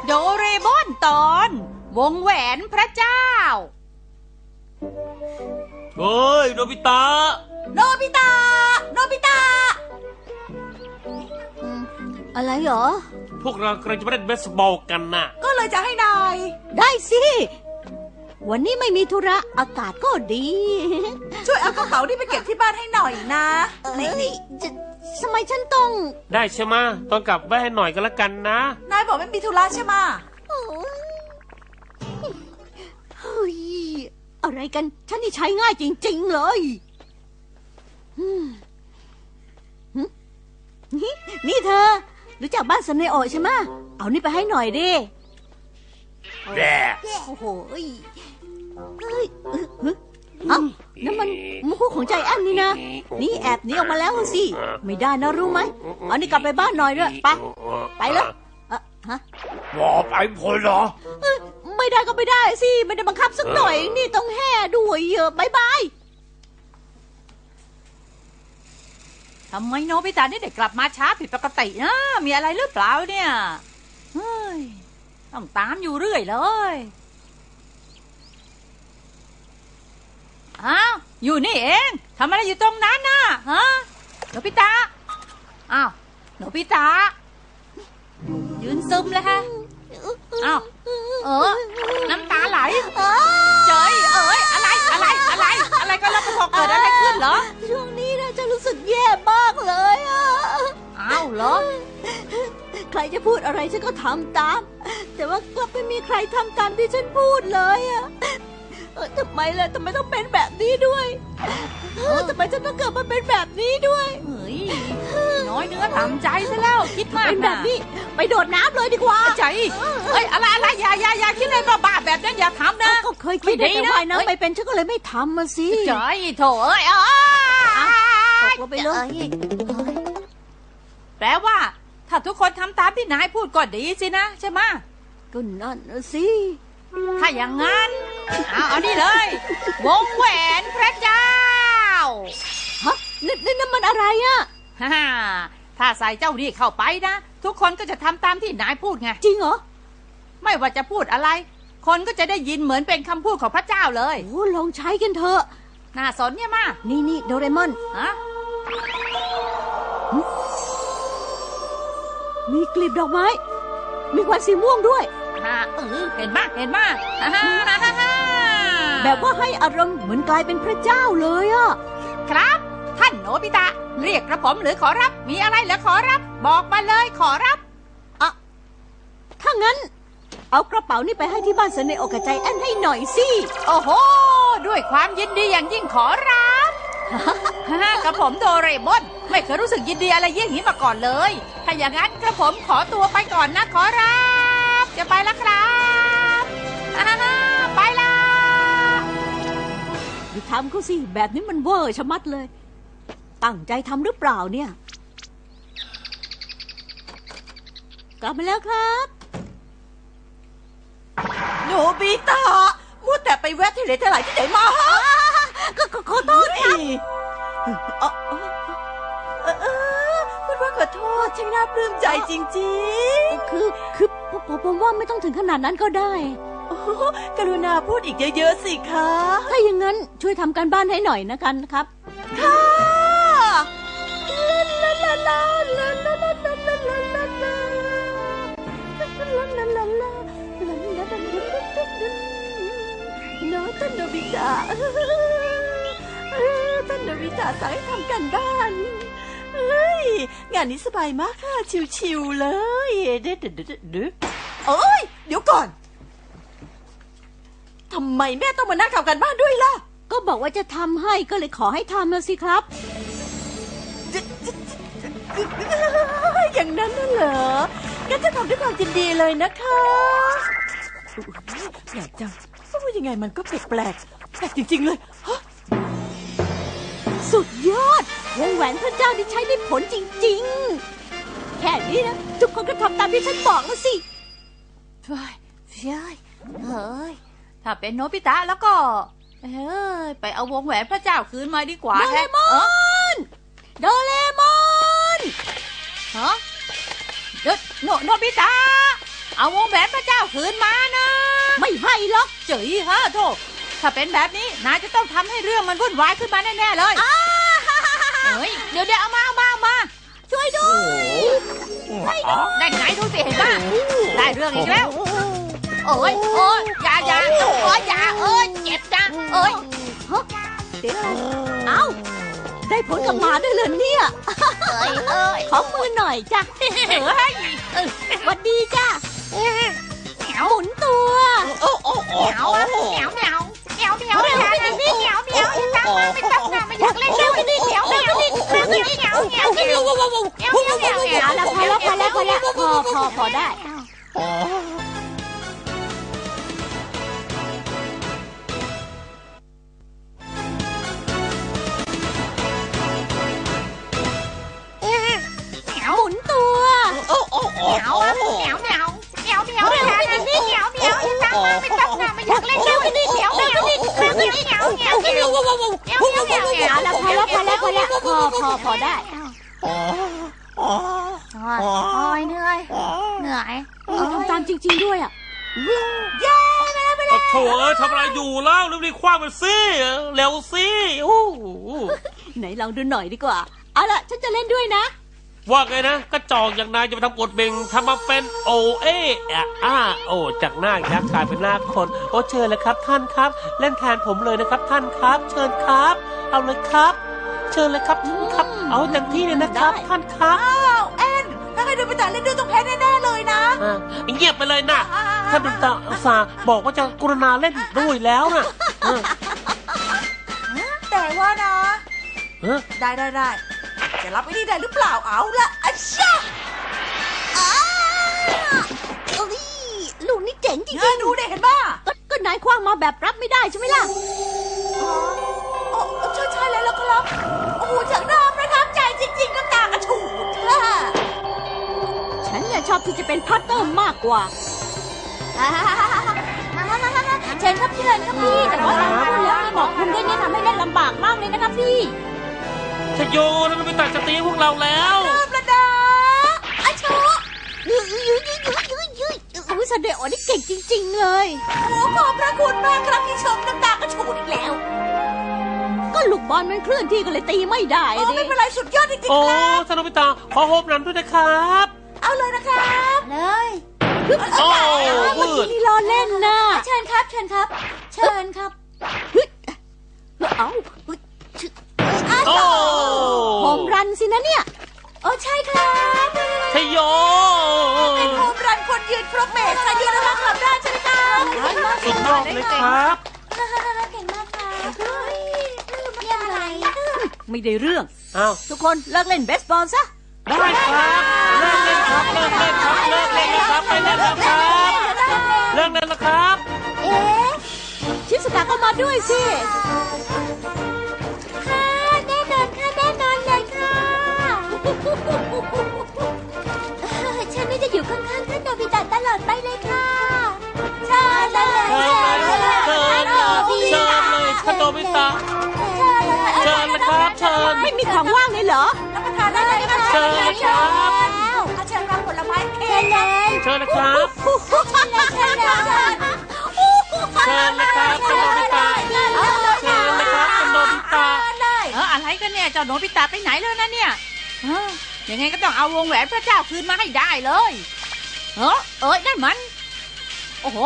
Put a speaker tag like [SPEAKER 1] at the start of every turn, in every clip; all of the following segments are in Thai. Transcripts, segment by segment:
[SPEAKER 1] โดเรมอนตอนวงแหวนพระเจ้า
[SPEAKER 2] เฮ้ยโนบิตะ
[SPEAKER 1] โนบิตะโนบิตะ
[SPEAKER 3] อะไรเหรอ
[SPEAKER 2] พวกเรากำลังจะไปเล่นเบสบอลกันน่ะ
[SPEAKER 1] ก็เลยจะให้นาย
[SPEAKER 3] ได้สิวันนี้ไม่มีธุระอากาศก็ดี
[SPEAKER 1] ช่วยเอากระเป๋านี่ไปเก็บที่บ้านให้หน่อยนะ
[SPEAKER 3] นี่ทำไมฉันต้อง
[SPEAKER 2] ได้ใช่ไหมต้องกลับไว้ให้หน่อยก็แล้วกันนะ
[SPEAKER 1] นายบอกไม่มีธุระใช่ไหม
[SPEAKER 3] เฮ้ยอะไรกันฉันนี่ใช้ง่ายจริงๆเลยนี่เธอรู้จักบ้านซันเนโอะใช่ไหมเอานี่ไปให้หน่อยดิ
[SPEAKER 2] แย่
[SPEAKER 3] โอ้โหเฮ้ยเอ้านั่นมันมุกของใจแอนนี่นะนี่แอบหนีออกมาแล้วสิไม่ได้นะรู้ไหมเอานี่กลับไปบ้านหน่อยด้วยไปเลยฮะ
[SPEAKER 2] บอกไปพอเหรอ
[SPEAKER 3] ไม่ได้ก็ไม่ได้สิไม่ได้บังคับสักหน่อยนี่ต้องแห่ด้วยบายบาย
[SPEAKER 1] ทำไมโนบิตะนี่เด็กกลับมาช้าผิดปกตินะมีอะไรหรือเปล่าเนี่ยเฮ้ยต้องตามอยู่เรื่อยเลยอ้าวอยู่นี่เองทำอะไรอยู่ตรงนั้นน่ะฮะโนบิตะอ้าวโนบิตะยืนซึมเลยฮะอ้าวน้ำตาไหลเจ๋ยอะไรก็แล้วพอเกิดอะไรขึ้นเหรอ
[SPEAKER 3] ช่วงนี้นะจะรู้สึกแย่มากเลย
[SPEAKER 1] อ้าวเหรอ
[SPEAKER 3] ใครจะพูดอะไรฉันก็ทำตามแต่ว่ากลับไม่มีใครทำตามที่ฉันพูดเลยทำไมล่ะทำไมต้องเป็นแบบนี้ด้วยทำไมฉันต้องเกิดมาเป็นแบบนี้ด้วย
[SPEAKER 1] เฮ้ยน้อยเนื้อต่ำใจซะแล้วคิดมาก
[SPEAKER 3] เป็นแบบนี้ไปโดดน้ำเลยดีกว่า
[SPEAKER 1] ใจเฮ้ยอะไรอย่าคิดอะไรบ้าๆแบบนั้นอย่าทำนะ
[SPEAKER 3] ก็เคยคิดแต่ว่ายน้ำไม่เป็นฉันก็เลยไม่ทำมาสิ
[SPEAKER 1] ใจโถ
[SPEAKER 3] ตกลงไปเลย
[SPEAKER 1] แปลว่าถ้าทุกคนทำตามที่นายพูดก็ดีสินะใช่ไหม
[SPEAKER 3] ก็นั่นสิ
[SPEAKER 1] ถ้าอย่างนั้นเอานี่เลยวงแหวนพระเจ้า
[SPEAKER 3] ฮะนี่มันอะไร
[SPEAKER 1] ถ้าใส่เจ้านี่เข้าไปนะทุกคนก็จะทำตามที่นายพูดไง
[SPEAKER 3] จริงเหรอ
[SPEAKER 1] ไม่ว่าจะพูดอะไรคนก็จะได้ยินเหมือนเป็นคำพูดของพระเจ้าเลย
[SPEAKER 3] โอ้ลองใช้กันเถอะ
[SPEAKER 1] น่าสนเนี่ยมา
[SPEAKER 3] นี่โดเรมอนมีกลีบดอกไม้มีควันสีม่วงด้วย
[SPEAKER 1] เห็นมาก
[SPEAKER 3] แบบว่าให้อารมณ์เหมือนกลายเป็นพระเจ้าเลย
[SPEAKER 1] ครับท่านโนบิตะเรียกกระผมหรือขอรับมีอะไรเหรอขอรับบอกมาเลยขอรับ
[SPEAKER 3] ถ้างั้นเอากระเป๋านี่ไปให้ที่บ้านซันเนโอะกับใจแอนให้หน่อยสิ
[SPEAKER 1] โอ้โหด้วยความยินดีอย่างยิ่งขอรับกระผมโดเรมอนไม่เคยรู้สึกยินดีอะไรยิ่งนี้มาก่อนเลยถ้าอย่างนั้นกระผมขอตัวไปก่อนนะขอรับจะไปแล้วครับไปละ
[SPEAKER 3] อย่าทำเขาสิแบบนี้มันเวอร์ชะมัดเลยตั้งใจทำหรือเปล่าเนี่ยกลับมาแล้วครับ
[SPEAKER 1] โนบิตะมัวแต่ไปแวะที่ไหนที่ไหนมา
[SPEAKER 3] ก็ขอโทษครับ
[SPEAKER 1] พูดว่าขอโทษช่างน่าปลื้มใจจริง
[SPEAKER 3] ๆคือผมว่าไม่ต้องถึงขนาดนั้นก็ได้
[SPEAKER 1] กรุณาพูดอีกเยอะๆสิคะ
[SPEAKER 3] ถ้าอย่างนั้นช่วยทำการบ้านให้หน่อยนะกันครับ
[SPEAKER 1] ค่ะท่านโนบิตะสั่งให้ทำกันบ้านเฮ้ยงานนี้สบายมากค่ะชิวๆเลยเดี๋ยวก่อนทำไมแม่ต้องมานั่งทำกันบ้านด้วยล่ะ
[SPEAKER 3] ก็บอกว่าจะทำให้ก็เลยขอให้ทำมาสิครับ
[SPEAKER 1] อย่างนั้นน่ะเหรองั้นจะทำด้วยความยินดีเลยนะคะแปลกจังว่ายังไงมันก็แปลกจริงๆเลย
[SPEAKER 3] สุดยอดวงแหวนพระเจ้าที่ใช้ได้ผลจริงๆแค่นี้นะทุกคนก็ทำตามที่ฉันบอกแล้วสิ
[SPEAKER 1] เฮ้ยถ้าเป็นโนบิตะแล้วก็ไปเอาวงแหวนพระเจ้าคืนมาดีกว่า
[SPEAKER 3] โดเรมอนโดเรมอน
[SPEAKER 1] โนบิตะเอาวงแหวนพระเจ้าคืนมานะ
[SPEAKER 3] ไม่ให้หรอก
[SPEAKER 1] เจ๋ยฮะโธ่ถ้าเป็นแบบนี้นายจะต้องทำให้เรื่องมันวุ่นวายขึ้นมาแน่ๆเลยเฮ้ยเดี๋ยวเอามา
[SPEAKER 3] ช่วยด้วย
[SPEAKER 1] ได้ไงดูสิเห็นป่ะได้เรื่องอีกแล้วโอ้ยอย่าเจ็บจัง
[SPEAKER 3] เดี๋ยวเอ้าได้ผลกลับมาด้วยเลยเนี่ยขอมือหน่อยจ้ะสวัสดีจ้ะหมุนตัว
[SPEAKER 1] เหมียวไม่อยากเล่นด้วยเหมียวเอาละพอแล้วพอได้หมุนตัวไม่อยากเล่นด้วยเหมียวเอาละพอแล้วพอได้เหนื่อยทำตามจริงๆด้วยอ่ะ
[SPEAKER 2] โถ่ทำอะไรอยู่แล้วรีบๆคว้าไปสิเร็วสิโอ้โห
[SPEAKER 3] ไหนลองดูหน่อยดีกว่าเอาล่ะฉันจะเล่นด้วยนะ
[SPEAKER 2] ว่าไงนะกระจอกอย่างนายจะไปทำกดเบ่งทำมาเป็นโอโอจากหน้ายักษ์กลายเป็นหน้าคนโอ้เชิญเลยครับท่านครับเล่นแทนผมเลยนะครับท่านครับเชิญครับเอาเลยครับเชิญเลยครับท่านครับเอาเต็มที่เลยนะครับท่านครับ
[SPEAKER 1] แอนถ้าใครโดนไปแต่เล่นด้วยต้องแพ้แน่ๆเลยนะ
[SPEAKER 2] เงียบไปเลยนะท่านดุตาอุตส่าห์บอกว่าจะกรุณาเล่นด้วยแล้วนะ
[SPEAKER 1] แต่ว่านะได้จะรับไอ้นี่ได้หรือเปล่าเอาละอัชชะ
[SPEAKER 3] ลูกนี่เจ๋งจริง
[SPEAKER 1] ๆดูได้เห็นป่ะ
[SPEAKER 3] ก็นายคว้างมาแบบรับไม่ได้ใช่ไหมล่ะ
[SPEAKER 1] ใช่แล้วครับโอ้โหจากน้ำประทับใจจริงๆน้ำตากระฉูดค่ะ
[SPEAKER 3] ฉันเนี่ยชอบที่จะเป็นพัตเตอร์มากกว่าเชิญครับพี่แต่ว่าพูดแล้วไม่บอกคุณด้วยเนี่ยทำให้เล่นลำบากมากเลยนะครับพี่
[SPEAKER 2] ชโยนั่นไม่ตัดจะตีพวกเราแล้ว
[SPEAKER 1] ประดาอาชู
[SPEAKER 3] แสดงว่านี่เก่งจริงๆเลย
[SPEAKER 1] โอ้ขอบพระคุณมากครับที่ชมน้ำตากระฉูดอีกแล้ว
[SPEAKER 3] ก็ลูกบอลมันเคลื่อนที่ก็เลยตีไม่ได้
[SPEAKER 1] ไม่เป็นไรสุดยอดจริงๆครับ
[SPEAKER 2] โอ้สนุกไปตาขอโฮมน้ำด้วยนะครับ
[SPEAKER 1] เอาเลยนะครับ
[SPEAKER 3] เลย
[SPEAKER 2] โอ้
[SPEAKER 3] เมื่อกี้นี่ล้อเล่นนะ
[SPEAKER 1] เชิญครับ
[SPEAKER 3] เอาโฮมรันสินะเนี่ย
[SPEAKER 1] ใช่ครับ
[SPEAKER 2] ชโย
[SPEAKER 1] เป็นโฮมรันคนยืนครบเมตรยืนรับขับได้ใช่ไหมครับ
[SPEAKER 2] สุดยอดเลยครับ
[SPEAKER 1] เก่งมากครับอะไร
[SPEAKER 3] ไม่ได้เรื่อง
[SPEAKER 2] อ้าว
[SPEAKER 3] ทุกคนเลิกเล่นเบสบอลซะ
[SPEAKER 2] ได้ครับเลิกเล่นครับไปเล่นแล้วครับ
[SPEAKER 3] ชิสกาก็มาด้วยสิ
[SPEAKER 1] ค่ะแน่นอนเลยค่ะฉันนี่จะอยู่ข้างๆท่านโนบิตะตลอดไปเลยค่ะเชิญเลย
[SPEAKER 2] ท่านโนบิตะเชิญเลยครับเชิญ
[SPEAKER 3] ไม่มีของว่างเลยเหรอ
[SPEAKER 1] รับประทานได้เลยค่ะ
[SPEAKER 2] เชิญเลยครับ
[SPEAKER 1] เชิญรับผลไม้เค้ก
[SPEAKER 2] เชิญเลยครับ
[SPEAKER 1] เชิญเลยครับ
[SPEAKER 2] ท่านโนบิตะเชิญเลยครับท่านโนบิตะ
[SPEAKER 1] อะไรกันเนี่ยเจ้าโนบิตะไปไหนแล้วนะเนี่ยยังไงก็ต้องเอาวงแหวนพระเจ้าคืนมาให้ได้เลยนั่นมันโอ้โห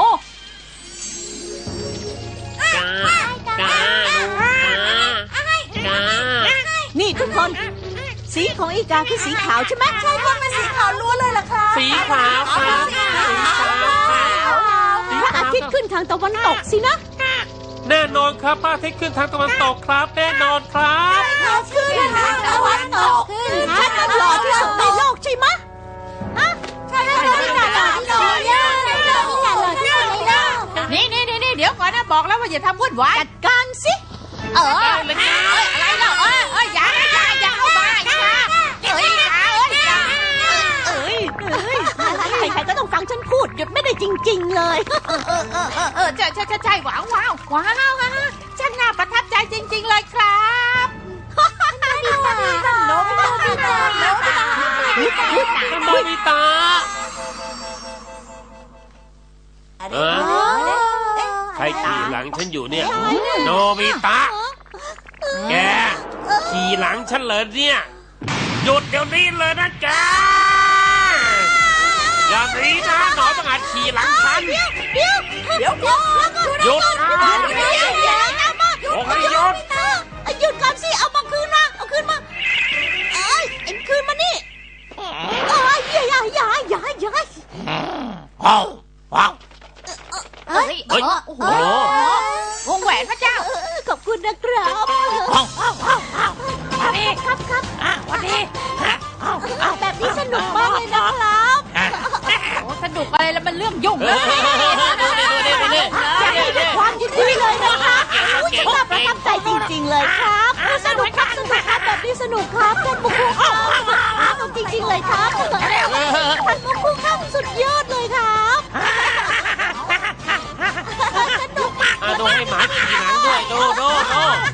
[SPEAKER 3] นี่ทุกคนสีของอีกาคือสีขาวใช่ไหม
[SPEAKER 1] ใช่ครับเป็นสีขาวล้วนเลยล่ะครับ
[SPEAKER 2] สีขาวครับ
[SPEAKER 3] พระอาทิตย์ขึ้นทางตะวันตกสินะ
[SPEAKER 2] แน่นอนครับพระอาทิตย์ขึ้นทางตะวันตกครับแน่นอนครับ
[SPEAKER 3] ขึ้นทางตะวันตกฉันมันหล่อที่สุดในโลกใช่ไหม
[SPEAKER 1] ใช่ครับนี่เดี๋ยวก่อนนะบอกแล้วว่าอย่าทำวุ่นวาย
[SPEAKER 3] จัดการสิ
[SPEAKER 1] อะไรเล่าอย่าเข้ามา
[SPEAKER 3] ใครๆก็ต้องฟังฉันพูดหยุดไม่ได้จริงๆเลย
[SPEAKER 1] ใช่ว้าวช่างน่าประทับใจจริงๆเลยครับโนบิตะ
[SPEAKER 2] ขี่หลังฉันอยู่เนี่ย โนบิตะ แกขี่หลังฉันเลยเนี่ยหยุดเดี๋ยวนี้เลยนะแกอย่างนี้นะหนอนต้องอาจขี่หลังฉันหยุดนะโอ้ยหยุด
[SPEAKER 3] หยุดก่อนสิเอามาคืนมาเอาคืนมาเอ้ยเอ็งคืนมานี่เอ้ยอย่า
[SPEAKER 1] เฮ้ย
[SPEAKER 2] เฮ้ย
[SPEAKER 1] โอ้โห
[SPEAKER 2] โอ้โห
[SPEAKER 1] วงแหวนพระเจ้า
[SPEAKER 3] ขอบคุณนะครับ
[SPEAKER 1] วันดีครับวันดี
[SPEAKER 3] แบบนี้สนุกมากเลยนะครับ
[SPEAKER 1] โอ้สนุกอะไรแล้วมันเรื่องยุ่งเลย
[SPEAKER 3] อยากให้ด้วยความยินดีเลยนะคะฉันน่าประทับใจจริงๆเลยครับสนุกครับแบบนี้สนุกครับท่านมุคุครับสนุกจริงๆเลยครับท่านมุคุครับสุดยอดเลยครับสนุก
[SPEAKER 2] ดูให้หมาขี่หลังด้วยดู